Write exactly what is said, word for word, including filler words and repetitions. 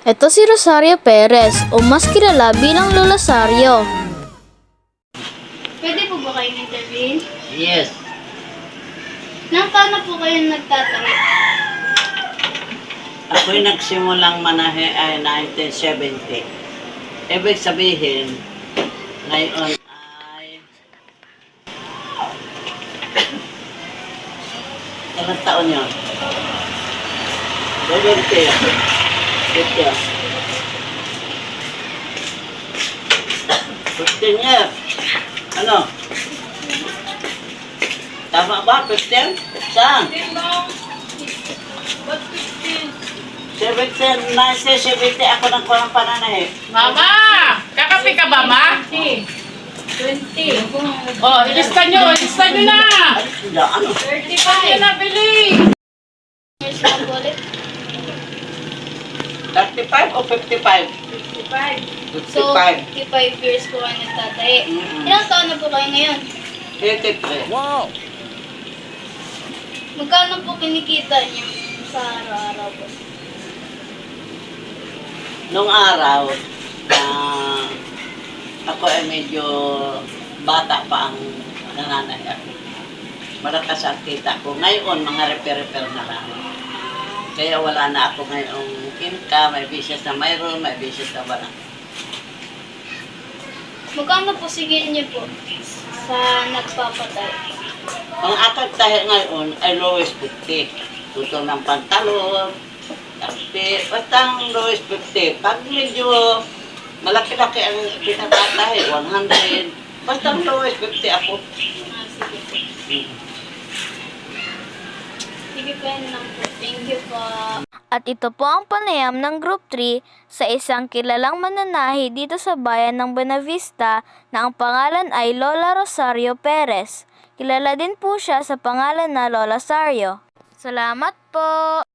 Ito si Rosario Perez o mas kilala bilang Lola Sario. Pwede po ba kayong intervene? Yes. Nang paano po kayo nagtatahi? Ako'y nagsimulang manahe ay nineteen seventy. Ibig sabihin, ngayon ay... Ilang taon yun? seventy. fifty. fifteen years. Ano? Tama ba? fifteen? Saan? seventeen, nineteen seventy ako nang kulang pananahe. Mama! Kakape ka ba, ma? twenty. Oh, ilista nyo, ilista nyo na! Ano? Ano? thirty-five. Yan na, bili! Years na po ulit? thirty-five o fifty-five? fifty-five. So, fifty-five. fifty-five years po kayo nagtatahi. Mm-mm. Ilang taon na po kayo ngayon? eighty-three. Wow! Magkano po kinikita niyo sa araw-araw po? Nung araw, na ako ay medyo bata pa ang nananay ako. Malakas ang kita ko. Ngayon, mga repair-repair na lang. Kaya wala na ako ngayong income, may business na mayroon, may business na wala. Magkano po sigil niyo po sa nagpapatay? Ang akad tayo ngayon ay lowest fifty. Tutol ng pantalon, tapi, basta ang lowest fifty. Pag medyo malaki-laki ang pinatatahe, one hundred. Basta ang lowest fifty ako. Ah, sige po. Mm. Sige po yun lang po. Thank you po. At ito po ang panayam ng Group three sa isang kilalang mananahi dito sa bayan ng Buenavista na ang pangalan ay Lola Rosario Perez. Kilala din po siya sa pangalan na Lola Sario. Salamat po!